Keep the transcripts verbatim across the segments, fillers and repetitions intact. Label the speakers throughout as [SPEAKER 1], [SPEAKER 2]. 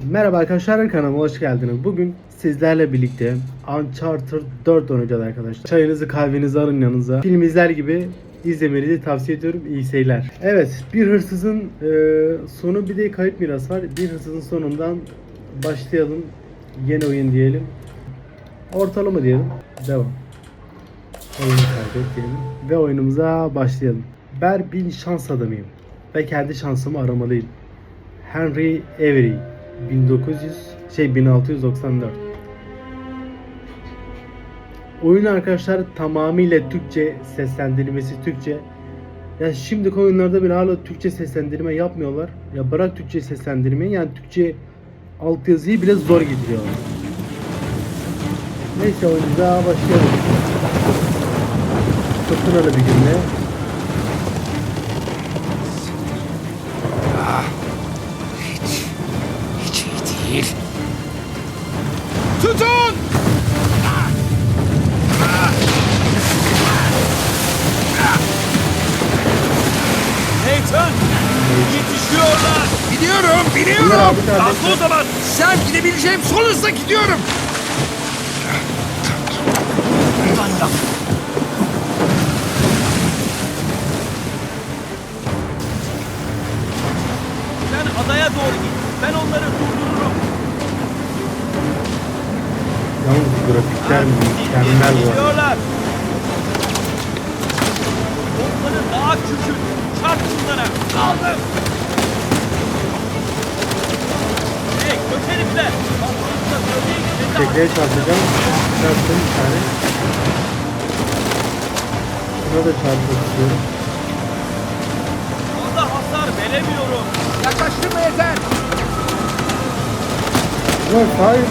[SPEAKER 1] Merhaba arkadaşlar, kanalıma hoş geldiniz. Bugün sizlerle birlikte Uncharted dört oynayacağız arkadaşlar. Çayınızı kahvenizi alın yanınıza. Film izler gibi izlemenizi tavsiye ediyorum. İyi seyirler. Evet, bir hırsızın e, sonu bir de kayıp miras var. Bir hırsızın sonundan başlayalım. Yeni oyun diyelim. Ortalama diyelim. Devam. Oyunu kaybet diyelim. Ve oyunumuza başlayalım. Ben bir şans adamıyım. Ve kendi şansımı aramalıyım. Henry Avery bin dokuz yüz şey bin altı yüz doksan dört. Oyun arkadaşlar tamamıyla Türkçe, seslendirilmesi Türkçe. Ya şimdiki oyunlarda bile hala Türkçe seslendirme yapmıyorlar. Ya bırak Türkçe seslendirmeyi, yani Türkçe altyazıyı bile zor getiriyorlar. Neyse, oyunumuza başlayalım. Fırtınalı bir günde.
[SPEAKER 2] Hiç iyi değil. Tutun!
[SPEAKER 3] Nathan! Yetişiyorlar!
[SPEAKER 2] Gidiyorum,
[SPEAKER 1] Bunlar
[SPEAKER 2] biliyorum.
[SPEAKER 1] abi kardeş.
[SPEAKER 3] Aslı o zaman!
[SPEAKER 2] Sen gidebileceğim son hızla gidiyorum.
[SPEAKER 3] Buradan yap! Sen adaya doğru git. Ben onları durdururum.
[SPEAKER 1] Yalnız grafikler mükemmel bu arada.
[SPEAKER 3] Geliyorlar! Onları daha küçük. Çarp şunlara. Aldım! Hey kötü herifler! Patronunuzla söyleyin ki sizi
[SPEAKER 1] Tekneye çarpacağım. Çarptım bir tane. Şuna da çarpmak istiyorum.
[SPEAKER 3] fazla hasar veremiyorum.
[SPEAKER 2] Yaklaştırma yeter.
[SPEAKER 1] Ulan hayır.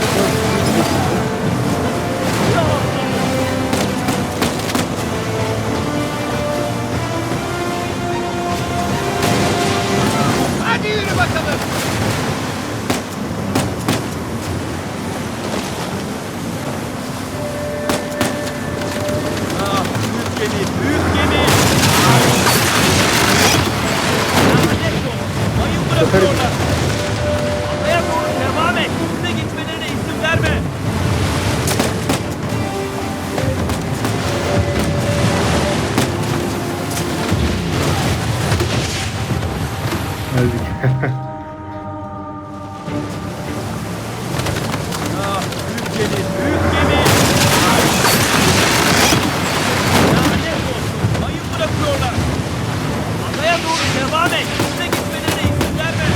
[SPEAKER 2] Hadi yürü bakalım.
[SPEAKER 3] Ah, büyük gemi, büyük gemi! Lanet olsun, mayın bırakıyorlar. Adaya doğru devam et. Üstüne geçmelerine izin verme.
[SPEAKER 1] Öldük.
[SPEAKER 3] Ah, büyük gemi, büyük gemi! Lanet olsun, mayın bırakıyorlar. Adaya doğru devam et. Üstüne geçmelerine izin verme.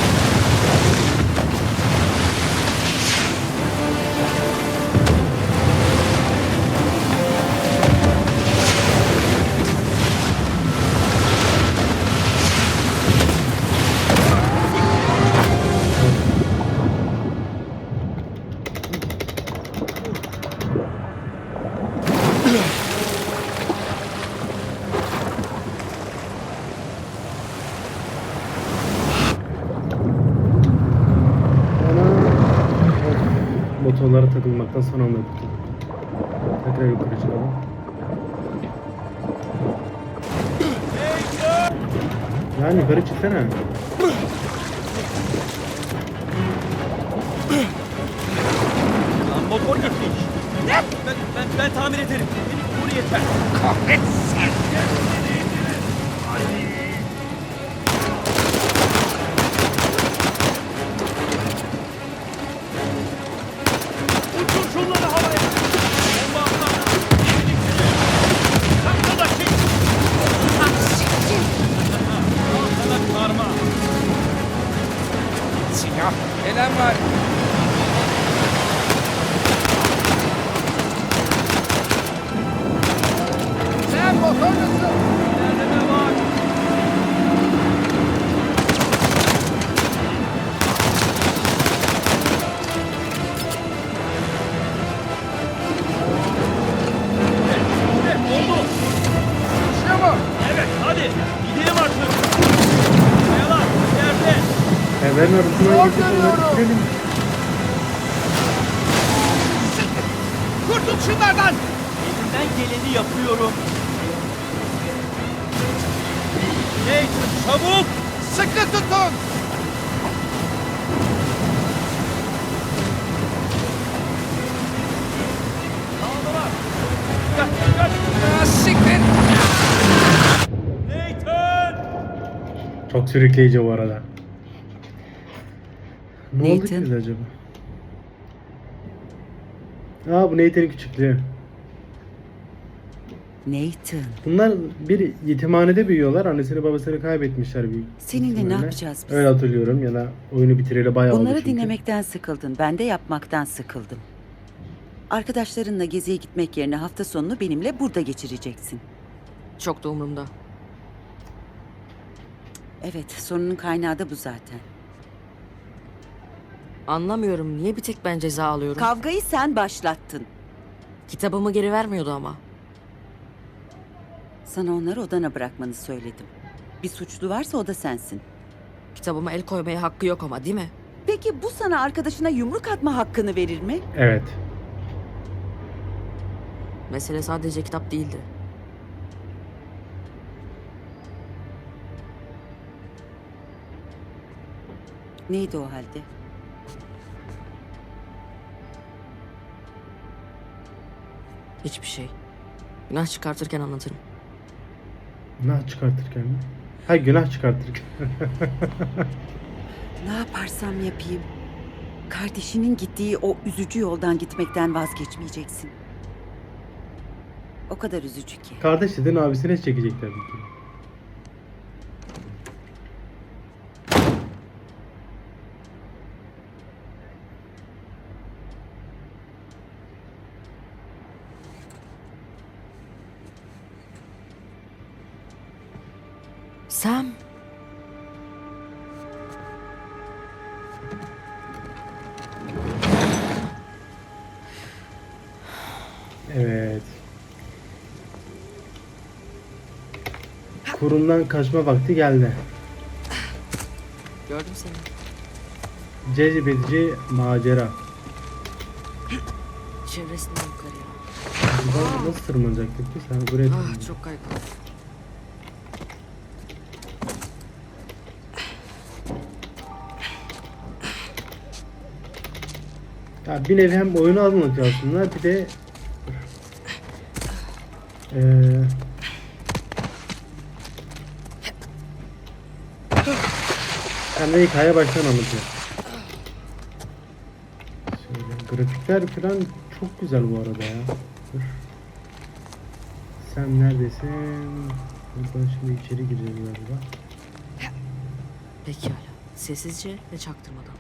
[SPEAKER 1] Motorlara takılmaktan son anda kurtulduk. Tekrar yukarı çıkalım. Yani yukarı çıksana.
[SPEAKER 3] Lan motor gitmiş. Ne? Ben, ben, ben tamir ederim. Benim kuru yeter.
[SPEAKER 2] Kahretsin.
[SPEAKER 3] Uçur şunları havaya. Bomba atlar. Sakla da çek. Al sana karma.
[SPEAKER 2] Silah. Gelen var. Sen motor musun?
[SPEAKER 3] Nerede ne var? İşte oldu.
[SPEAKER 2] İşte bu.
[SPEAKER 3] Evet hadi gidelim artık. Kayalar ileride.
[SPEAKER 1] Evlerin arasından
[SPEAKER 2] Zor
[SPEAKER 1] geçip onları
[SPEAKER 2] görüyorum.
[SPEAKER 1] bitirelim.
[SPEAKER 2] Kurtul şunlardan.
[SPEAKER 3] Elimden geleni yapıyorum. Nathan çabuk.
[SPEAKER 2] Sıkı tutun.
[SPEAKER 1] Çok sürükleyici bu arada. Ne oldu ki
[SPEAKER 4] Nathan.
[SPEAKER 1] bize acaba? Aa, bu Nathan'in küçüklüğü.
[SPEAKER 4] Nathan.
[SPEAKER 1] Bunlar bir yetimhanede büyüyorlar. Annesini babasını kaybetmişler büyük
[SPEAKER 4] Seninle ne
[SPEAKER 1] ihtimalle.
[SPEAKER 4] yapacağız biz?
[SPEAKER 1] Öyle hatırlıyorum ya da oyunu bitireli bayağı oldu
[SPEAKER 4] Bunları
[SPEAKER 1] çünkü.
[SPEAKER 4] dinlemekten sıkıldın. Ben de yapmaktan sıkıldım. Arkadaşlarınla geziye gitmek yerine hafta sonunu benimle burada geçireceksin.
[SPEAKER 5] Çok da umurumda.
[SPEAKER 4] Evet, sorunun kaynağı da bu zaten.
[SPEAKER 5] Anlamıyorum. Niye bir tek ben ceza alıyorum?
[SPEAKER 4] Kavgayı sen başlattın.
[SPEAKER 5] Kitabımı geri vermiyordu ama.
[SPEAKER 4] Sana onları odana bırakmanı söyledim. Bir suçlu varsa o da sensin.
[SPEAKER 5] Kitabıma el koymaya hakkı yok ama, değil mi?
[SPEAKER 4] Peki bu sana arkadaşına yumruk atma hakkını verir mi?
[SPEAKER 1] Evet.
[SPEAKER 5] Mesele sadece kitap değildi.
[SPEAKER 4] Neydi o halde?
[SPEAKER 5] Hiçbir şey. Günah çıkartırken anlatırım.
[SPEAKER 1] Günah çıkartırken mi? Ha, günah çıkartırken.
[SPEAKER 4] Ne yaparsam yapayım. Kardeşinin gittiği o üzücü yoldan gitmekten vazgeçmeyeceksin. O kadar üzücü ki.
[SPEAKER 1] Kardeş dedin, abisine çekecek tabii ki.
[SPEAKER 5] Sam.
[SPEAKER 1] Evet. Kurumdan kaçma vakti geldi.
[SPEAKER 5] Gördüm seni.
[SPEAKER 1] Cezbedici macera.
[SPEAKER 5] Çevresinden yukarıya.
[SPEAKER 1] Buradan nasıl tırmanacaktık ki? Sen buraya
[SPEAKER 5] Ah,
[SPEAKER 1] tırman.
[SPEAKER 5] çok kaygılı.
[SPEAKER 1] Ya bir nevi hem oyunu anlatıyor aslında, bir de eee hem de hikaye baştan anlatıyor. Şöyle, grafikler falan çok güzel bu arada ya. Dur. Sen neredesin? Buradan şimdi içeri gireceğiz galiba.
[SPEAKER 5] Pekala. Sessizce ve çaktırmadan.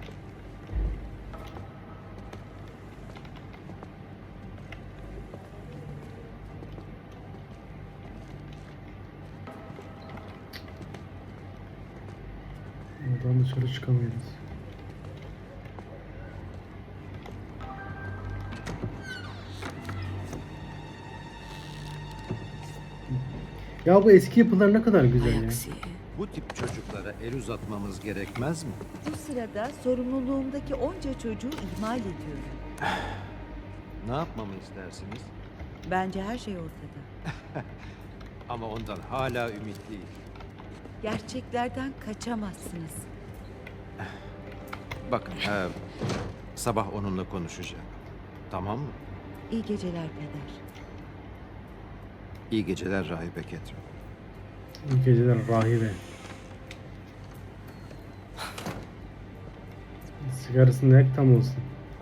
[SPEAKER 1] Buradan dışarı çıkamıyoruz. Ya bu eski yapılar ne kadar güzel ya.
[SPEAKER 5] Ayaksi.
[SPEAKER 6] Bu tip çocuklara el uzatmamız gerekmez mi?
[SPEAKER 4] Bu sırada sorumluluğumdaki onca çocuğu ihmal ediyorum.
[SPEAKER 6] Ne yapmamı istersiniz?
[SPEAKER 4] Bence her şey ortada.
[SPEAKER 6] Ama ondan hala ümitliyim.
[SPEAKER 4] Gerçeklerden kaçamazsınız.
[SPEAKER 6] Bakın, e, sabah onunla konuşacağım. Tamam mı?
[SPEAKER 4] İyi geceler peder.
[SPEAKER 6] İyi geceler Rahibe Ketrin.
[SPEAKER 1] İyi geceler rahibe. Sigarasını yak tam olsun.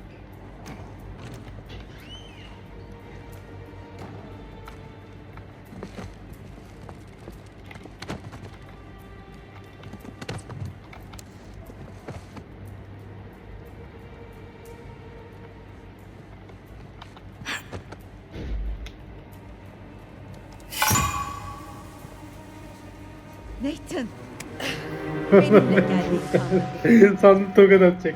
[SPEAKER 4] Nathan! Benimle gel Nathan.
[SPEAKER 1] Sandım tokat atacak.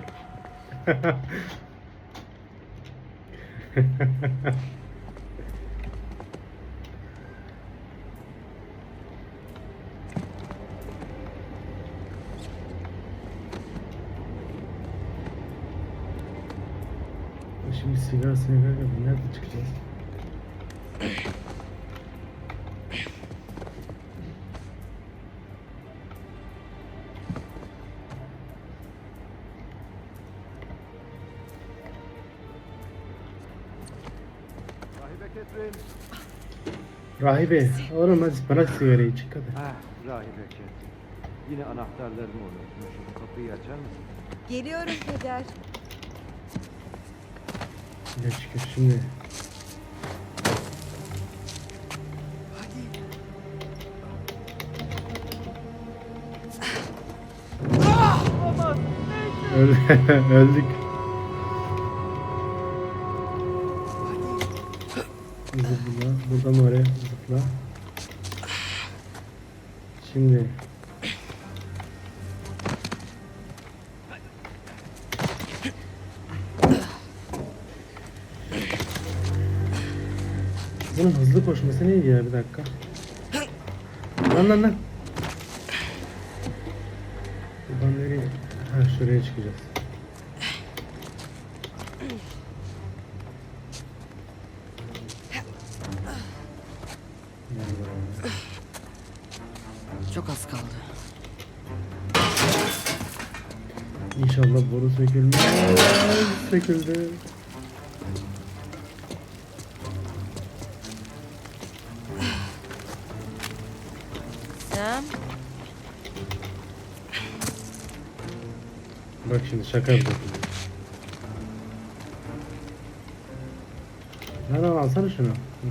[SPEAKER 1] Şimdi sigara sigara nerede çıkacağız? Rahibe, oğlum hadi bana sigarayı çık hadi.
[SPEAKER 6] Ah, Rahibe Ketrin. Yine anahtarlarımı unutmuşum. Kapıyı açar mısın?
[SPEAKER 4] Geliyorum peder.
[SPEAKER 1] Ne şükür şimdi. Öl öldük. Zıpla. Buradan oraya zıpla. Şimdi. Bunun hızlı koşması neydi ya, bir dakika. Lan lan lan. Buradan nereye? Ha, şuraya çıkacağız.
[SPEAKER 5] Çok az kaldı.
[SPEAKER 1] İnşallah boru sökülmez. Söküldü.
[SPEAKER 5] Sam.
[SPEAKER 1] Bak şimdi şaka yapıyorum. Lan al, alsana şunu.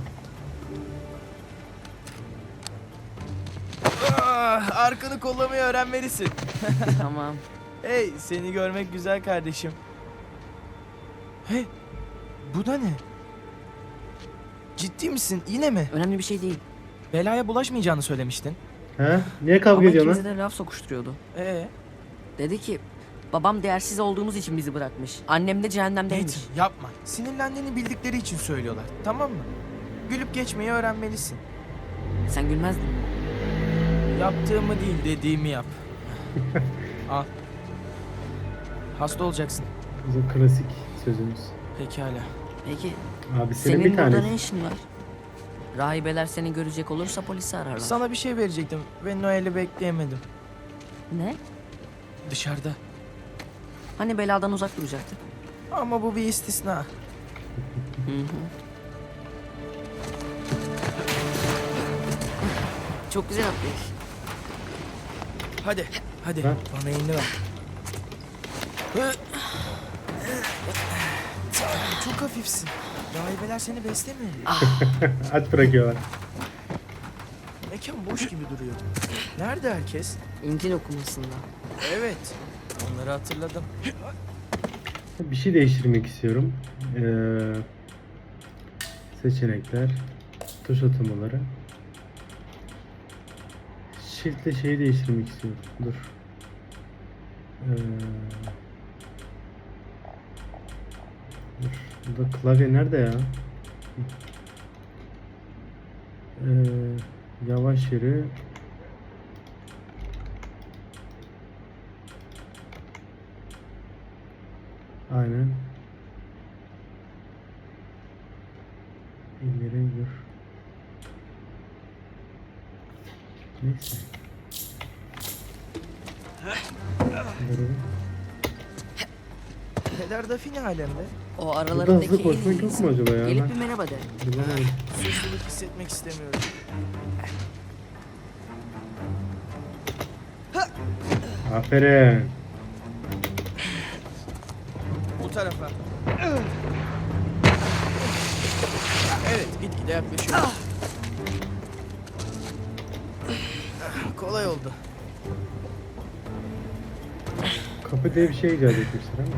[SPEAKER 7] Ah, arkanı kollamayı öğrenmelisin.
[SPEAKER 5] Tamam.
[SPEAKER 7] Hey, seni görmek güzel kardeşim. Hey, bu da ne? Ciddi misin? Yine mi?
[SPEAKER 5] Önemli bir şey değil.
[SPEAKER 7] Belaya bulaşmayacağını söylemiştin.
[SPEAKER 1] He? Niye kavga
[SPEAKER 5] Ama
[SPEAKER 1] ediyorsun
[SPEAKER 5] ikimize
[SPEAKER 1] lan?
[SPEAKER 5] de laf sokuşturuyordu.
[SPEAKER 7] Ee,
[SPEAKER 5] Dedi ki babam değersiz olduğumuz için bizi bırakmış. Annem de cehennemdeymiş.
[SPEAKER 7] Nathan, yapma. Sinirlendiğini bildikleri için söylüyorlar. Tamam mı? Gülüp geçmeyi öğrenmelisin.
[SPEAKER 5] Sen gülmezdin.
[SPEAKER 7] Yaptığımı değil, dediğimi yap. Al. Hasta olacaksın.
[SPEAKER 1] Bizim klasik sözümüz.
[SPEAKER 7] Pekala.
[SPEAKER 5] Peki
[SPEAKER 1] Abi senin,
[SPEAKER 5] senin
[SPEAKER 1] bir
[SPEAKER 5] burada
[SPEAKER 1] tanesi.
[SPEAKER 5] ne işin var? Rahibeler seni görecek olursa polisi ararlar.
[SPEAKER 7] Sana bir şey verecektim ve Noel'i bekleyemedim.
[SPEAKER 5] Ne?
[SPEAKER 7] Dışarıda.
[SPEAKER 5] Hani beladan uzak duracaktık?
[SPEAKER 7] Ama bu bir istisna.
[SPEAKER 5] Hı hı. Çok güzel atlayış.
[SPEAKER 7] Hadi, hadi.
[SPEAKER 1] Ha?
[SPEAKER 7] Bana elini ver. Hı. Çok hafifsin. Rahibeler seni beslemiyor.
[SPEAKER 1] Aç bırakıyorlar.
[SPEAKER 7] Mekan boş gibi duruyor. Nerede herkes?
[SPEAKER 5] İncil okumasında.
[SPEAKER 7] Evet. Onları hatırladım.
[SPEAKER 1] Bir şey değiştirmek istiyorum. Ee, seçenekler, tuş atamaları. Shift ile şeyi değiştirmek istiyorum. Dur. Ee, dur. Burada klavye nerede ya? Ee, yavaş yürü. Aynen. İleri dur. Neyse. Dur.
[SPEAKER 7] Peder Dafine alemde.
[SPEAKER 5] O
[SPEAKER 1] Burada
[SPEAKER 5] aralarındaki
[SPEAKER 1] hızlı
[SPEAKER 5] en
[SPEAKER 1] koşmak yok
[SPEAKER 5] iyisi.
[SPEAKER 1] mu acaba ya?
[SPEAKER 5] Gelip
[SPEAKER 1] Ben
[SPEAKER 5] bir merhaba de.
[SPEAKER 1] bulamadım.
[SPEAKER 7] Suçluluk hissetmek istemiyorum.
[SPEAKER 1] Aferin.
[SPEAKER 7] Bu tarafa. Evet, gitgide yaklaşıyor. Kolay oldu.
[SPEAKER 1] Kapı diye bir şey icat etmişler ama.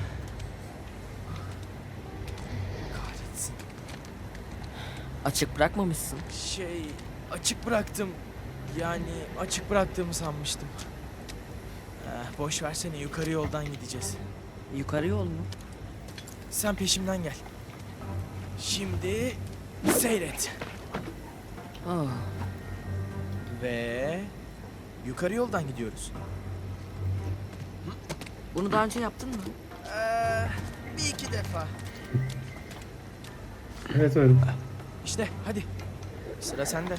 [SPEAKER 7] Kahretsin.
[SPEAKER 5] Açık bırakmamışsın.
[SPEAKER 7] Şey, açık bıraktım. Yani açık bıraktığımı sanmıştım. Eh, boş versene, yukarı yoldan gideceğiz.
[SPEAKER 5] Yukarı yol mu?
[SPEAKER 7] Sen peşimden gel. Şimdi seyret.
[SPEAKER 5] Ah,
[SPEAKER 7] Ve yukarı yoldan gidiyoruz.
[SPEAKER 5] bunu daha önce yaptın mı?
[SPEAKER 7] Ee, bir iki defa.
[SPEAKER 1] Evet öyle.
[SPEAKER 7] İşte hadi. Sıra sende.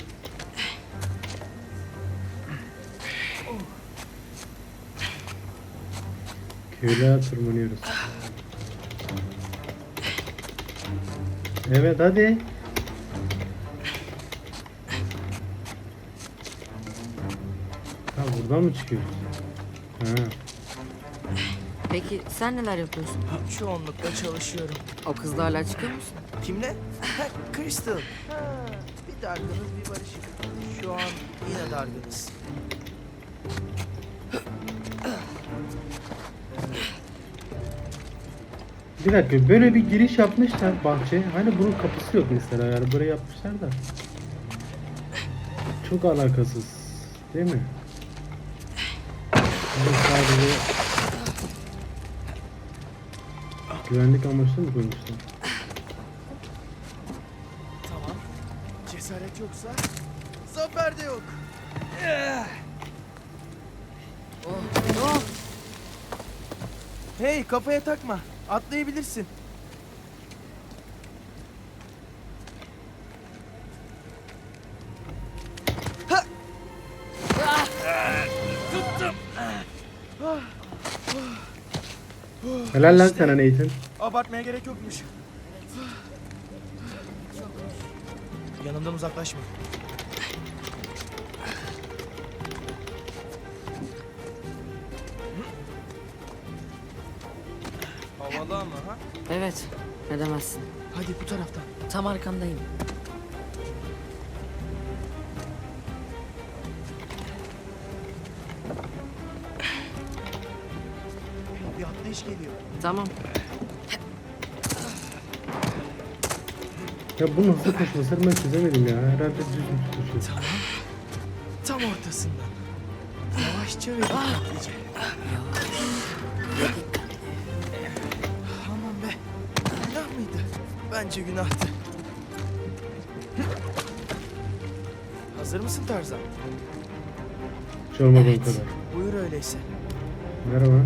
[SPEAKER 1] Köyle tırmanıyoruz. Evet hadi. Tam buradan mı çıkıyoruz? Ha.
[SPEAKER 5] Peki sen neler yapıyorsun?
[SPEAKER 7] Çoğunlukla çalışıyorum.
[SPEAKER 5] O kızla hala çıkıyor musun?
[SPEAKER 7] Kimle? Ha, Crystal. Ha, bir dargınız bir barışık. Şu an yine dargınız.
[SPEAKER 1] Bir dakika, böyle bir giriş yapmışlar bahçeye. Hani bunun kapısı yok mesela, yani buraya yapmışlar da. Çok alakasız değil mi? Burada sadece güvenlik amaçlı mı koymuşlar?
[SPEAKER 7] Tamam. Cesaret yoksa zafer de yok.
[SPEAKER 5] Oh,
[SPEAKER 7] Hey, kafaya takma. Atlayabilirsin. Ha! Tuttum.
[SPEAKER 1] Helal lan sana Nathan.
[SPEAKER 7] Abartmaya gerek yokmuş. Yanımdan uzaklaşma. Havalı ama ha?
[SPEAKER 5] evet. Ne demezsin.
[SPEAKER 7] Hadi bu taraftan.
[SPEAKER 5] Tam arkandayım.
[SPEAKER 7] Bir atlayış geliyor.
[SPEAKER 5] Tamam.
[SPEAKER 1] Ya bu nasıl koşmasını ben çözemedim ya. Herhalde düz düz koşuyor.
[SPEAKER 7] Tamam. Tam ortasından. Yavaşça ve dikkatlice. Aman be. Günah mıydı? Bence günahtı. Hazır mısın Tarzan?
[SPEAKER 1] Hiç olmadı
[SPEAKER 5] Evet.
[SPEAKER 1] o kadar.
[SPEAKER 7] Buyur öyleyse.
[SPEAKER 1] Merhaba.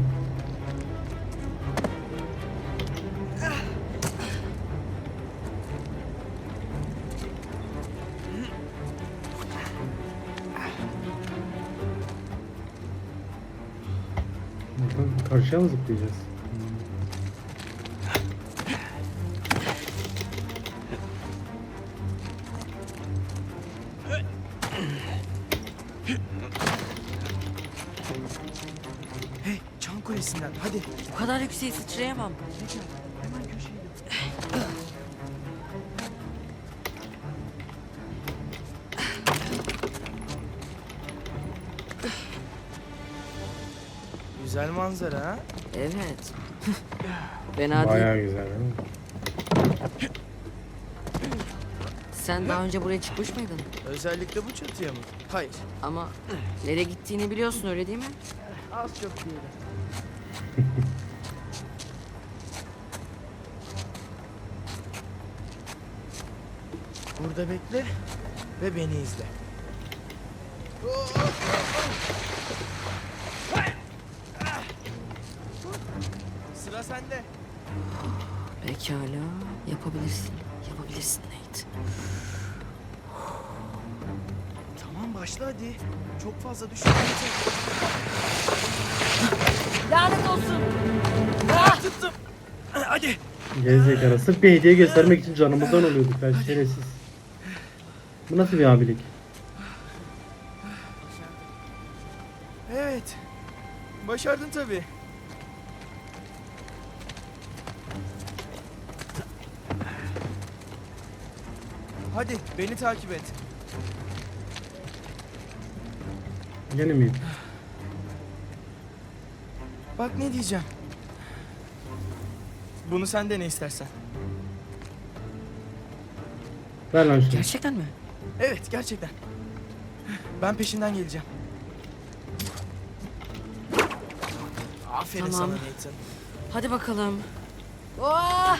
[SPEAKER 1] Buradan karşıya mı zıplayacağız?
[SPEAKER 7] Hey, çan kulesinden hadi.
[SPEAKER 5] Bu kadar yükseğe sıçrayamam.
[SPEAKER 7] Hemen köşeye. Güzel manzara ha?
[SPEAKER 5] Evet. Fena değil.
[SPEAKER 1] Bayağı güzel değil mi?
[SPEAKER 5] Sen daha önce buraya çıkmış mıydın?
[SPEAKER 7] Özellikle bu çatıya mı? Hayır.
[SPEAKER 5] Ama nereye gittiğini biliyorsun, öyle değil mi?
[SPEAKER 7] Az çok diyelim. Burada bekle ve beni izle. Sıra sende.
[SPEAKER 5] Pekala. Yapabilirsin. Yapabilirsin Nate.
[SPEAKER 7] Tamam başla hadi. Çok fazla düşünme.
[SPEAKER 5] Lanet olsun.
[SPEAKER 7] Ah, tuttum. Hadi.
[SPEAKER 1] Gerizekalı. Sırf bir hediye göstermek için canımızdan oluyorduk. Ben şerefsiz. Bu nasıl bir abilik?
[SPEAKER 7] Evet. Başardın tabii. Hadi beni takip et.
[SPEAKER 1] Gene miyim?
[SPEAKER 7] Bak ne diyeceğim. Bunu sen de ne istersen.
[SPEAKER 1] Ver lan şunu.
[SPEAKER 5] Gerçekten mi?
[SPEAKER 7] Evet gerçekten. Ben peşinden geleceğim. Aferin
[SPEAKER 5] Tamam.
[SPEAKER 7] sana Nathan.
[SPEAKER 5] Hadi bakalım. Oh!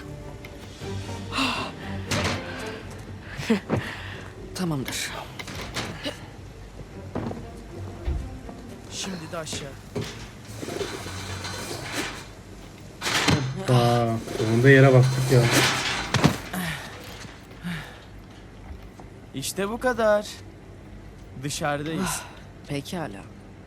[SPEAKER 5] Tamamdır.
[SPEAKER 7] Şimdi de aşağı.
[SPEAKER 1] Aa, sonunda yere bastık ya.
[SPEAKER 7] İşte bu kadar. Dışarıdayız.
[SPEAKER 5] Pekala.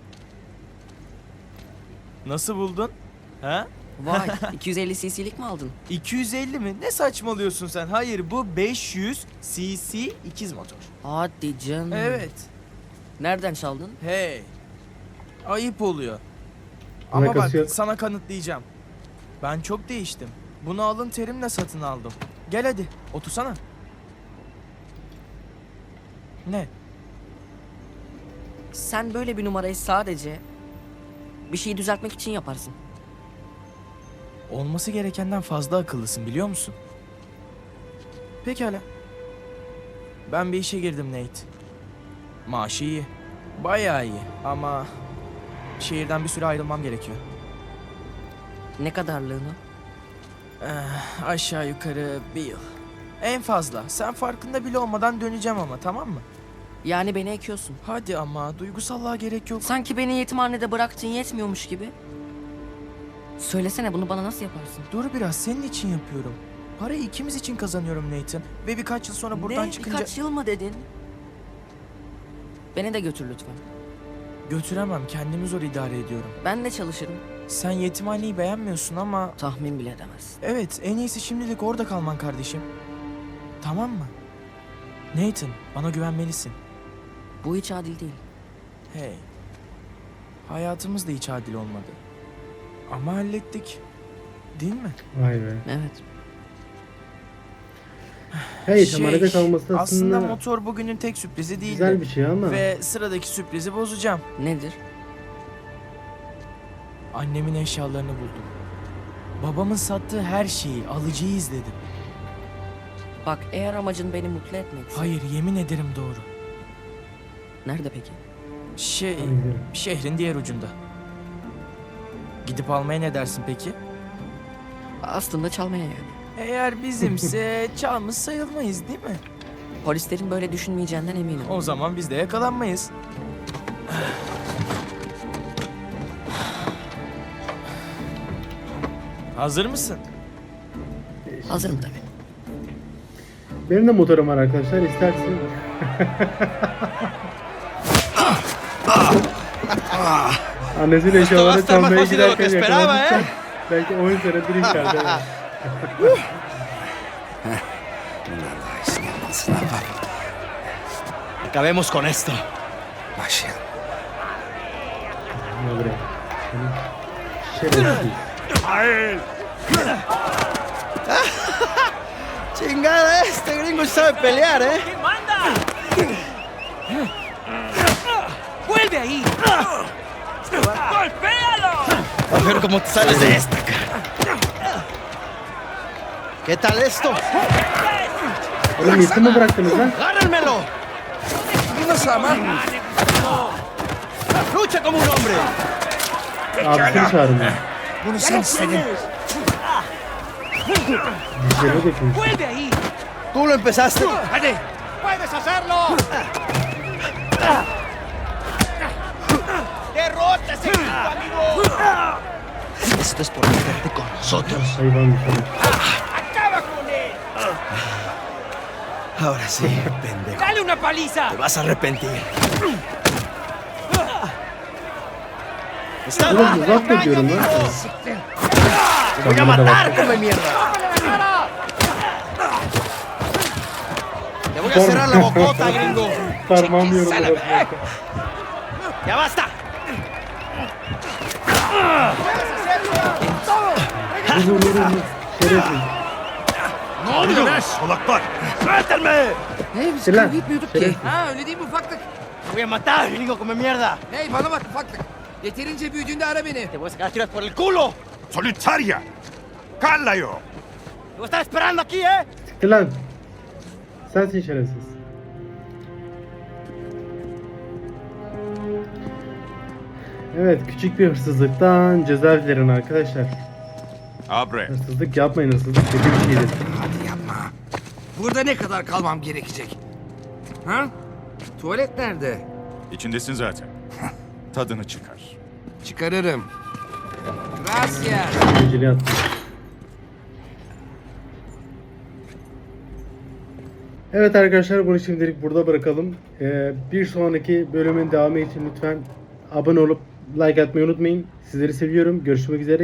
[SPEAKER 7] Nasıl buldun? Ha?
[SPEAKER 5] Vay, iki yüz elli cc'lik mi aldın?
[SPEAKER 7] iki yüz elli mi? Ne saçmalıyorsun sen? Hayır bu beş yüz cc ikiz motor.
[SPEAKER 5] Hadi canım.
[SPEAKER 7] Evet.
[SPEAKER 5] Nereden çaldın?
[SPEAKER 7] Hey. Ayıp oluyor. Ama bak
[SPEAKER 1] Alakası yok.
[SPEAKER 7] sana kanıtlayacağım. Ben çok değiştim. Bunu alın terimle satın aldım. Gel hadi otursana. Ne?
[SPEAKER 5] Sen böyle bir numarayı sadece bir şeyi düzeltmek için yaparsın.
[SPEAKER 7] Olması gerekenden fazla akıllısın biliyor musun? Pekala. Ben bir işe girdim Nate. Maaşı iyi. Bayağı iyi ama şehirden bir süre ayrılmam gerekiyor.
[SPEAKER 5] Ne kadarlığını?
[SPEAKER 7] Eh, aşağı yukarı bir yıl. En fazla. Sen farkında bile olmadan döneceğim ama tamam mı?
[SPEAKER 5] Yani beni ekiyorsun.
[SPEAKER 7] Hadi ama duygusallığa gerek yok.
[SPEAKER 5] Sanki beni yetimhanede bıraktığın yetmiyormuş gibi. Söylesene bunu bana nasıl yaparsın?
[SPEAKER 7] Dur biraz senin için yapıyorum. Parayı ikimiz için kazanıyorum Nathan. Ve birkaç yıl sonra buradan
[SPEAKER 5] ne?
[SPEAKER 7] çıkınca...
[SPEAKER 5] Birkaç yıl mı dedin? Beni de götür lütfen.
[SPEAKER 7] Götüremem, kendimi zor idare ediyorum.
[SPEAKER 5] Ben de çalışırım.
[SPEAKER 7] Sen yetimhaneyi beğenmiyorsun ama...
[SPEAKER 5] Tahmin bile edemezsin.
[SPEAKER 7] Evet, en iyisi şimdilik orada kalman kardeşim. Tamam mı? Nathan, bana güvenmelisin.
[SPEAKER 5] Bu hiç adil değil.
[SPEAKER 7] Hey. Hayatımız da hiç adil olmadı. Ama hallettik. Değil mi?
[SPEAKER 1] Vay be.
[SPEAKER 5] Evet.
[SPEAKER 1] Hey, yetimhanede kalması
[SPEAKER 7] aslında
[SPEAKER 1] aslında
[SPEAKER 7] motor bugünün tek sürprizi değildi.
[SPEAKER 1] güzel bir şey ama.
[SPEAKER 7] Ve sıradaki sürprizi bozacağım.
[SPEAKER 5] Nedir?
[SPEAKER 7] Annemin eşyalarını buldum. Babamın sattığı her şeyi, alıcıyı izledim.
[SPEAKER 5] Bak eğer amacın beni mutlu etmekse...
[SPEAKER 7] Hayır, yemin ederim doğru.
[SPEAKER 5] Nerede peki?
[SPEAKER 7] Şey,
[SPEAKER 1] Hadi gidelim.
[SPEAKER 7] şehrin diğer ucunda. Gidip almaya ne dersin peki?
[SPEAKER 5] Aslında çalmaya yani.
[SPEAKER 7] Eğer bizimse çalmış sayılmayız değil mi?
[SPEAKER 5] Polislerin böyle düşünmeyeceğinden eminim.
[SPEAKER 7] O zaman biz de yakalanmayız. Hazır mısın?
[SPEAKER 5] Hazırım tabii.
[SPEAKER 1] Benim de motorum var arkadaşlar. İstersen. Annesinin eşyalarını
[SPEAKER 6] estar más
[SPEAKER 1] çalmaya
[SPEAKER 6] fácil de lo que
[SPEAKER 1] giderken
[SPEAKER 6] esperaba,
[SPEAKER 1] yakalanmışsa
[SPEAKER 6] eh.
[SPEAKER 1] belki on senedir içeride.
[SPEAKER 6] Acabemos con esto.
[SPEAKER 1] Ne buraya? Şerefsiz.
[SPEAKER 6] Chingada, este gringo sabe pelear, ¿eh?
[SPEAKER 3] ¿Qué manda? ¡Vuelve ahí! ¡Golpéalo!
[SPEAKER 6] A ver cómo te sales de esta, cara. ¿Qué tal esto?
[SPEAKER 1] Oğlum yetim mi bıraktınız lan?
[SPEAKER 6] ¡Agárrenmelo!
[SPEAKER 2] Nasıl ama?
[SPEAKER 6] ¡Lucha como un hombre!
[SPEAKER 1] Abisini çağırın.
[SPEAKER 2] Bunu sen istedin.
[SPEAKER 1] Dişlerine dökün.
[SPEAKER 3] ¡Vuelve ahí!
[SPEAKER 6] ¡Tú lo empezaste!
[SPEAKER 2] Hadi. Puedes hacerlo.
[SPEAKER 3] ¡Derrota ese equipo, amigo!
[SPEAKER 6] Esto es por meterte con nosotros.
[SPEAKER 1] Hayvan bir şey.
[SPEAKER 3] ¡Acaba con él!
[SPEAKER 6] Ahora sí, pendejo.
[SPEAKER 3] ¡Dale una paliza!
[SPEAKER 6] Te vas a arrepentir. ¡Está
[SPEAKER 1] Oğlum uzak da diyorum lan.
[SPEAKER 6] ¡Te voy a matar, come mierda! ¡Te voy a cerrar la bocota, gringo!
[SPEAKER 1] Parmağım yoruldu.
[SPEAKER 6] ¡Ya basta!
[SPEAKER 1] Vur vur vur vur. Şerefsiz.
[SPEAKER 6] ¡Suéltenme!
[SPEAKER 2] Hey biz
[SPEAKER 1] Silah.
[SPEAKER 2] kavga etmiyorduk ki.
[SPEAKER 1] Şerefsiz.
[SPEAKER 2] Ha öyle değil mi ufaklık?
[SPEAKER 6] ¡Te voy a matar, gringo, come mierda!
[SPEAKER 2] Hey bana bak ufaklık. Yeterince büyüdüğünde ara beni.
[SPEAKER 6] ¡Te voy a sacar tiras por el culo!
[SPEAKER 8] Solitaria! Callaio!
[SPEAKER 6] ¡Te voy a estar esperando aquí, eh!
[SPEAKER 1] Siktir lan. Sensin şerefsiz. Evet, küçük bir hırsızlıktan ceza dilerim arkadaşlar.
[SPEAKER 8] Abre!
[SPEAKER 1] Hırsızlık yapmayın, hırsızlık kötü bir şeydir.
[SPEAKER 2] Hadi yapma. Burada ne kadar kalmam gerekecek? Ha? Tuvalet nerede?
[SPEAKER 8] İçindesin zaten. Tadını çıkar.
[SPEAKER 2] Çıkarırım. Gracias.
[SPEAKER 1] Geceliği attım. Evet arkadaşlar, bunu şimdilik burada bırakalım. Ee, bir sonraki bölümün devamı için lütfen abone olup like atmayı unutmayın. Sizleri seviyorum. Görüşmek üzere.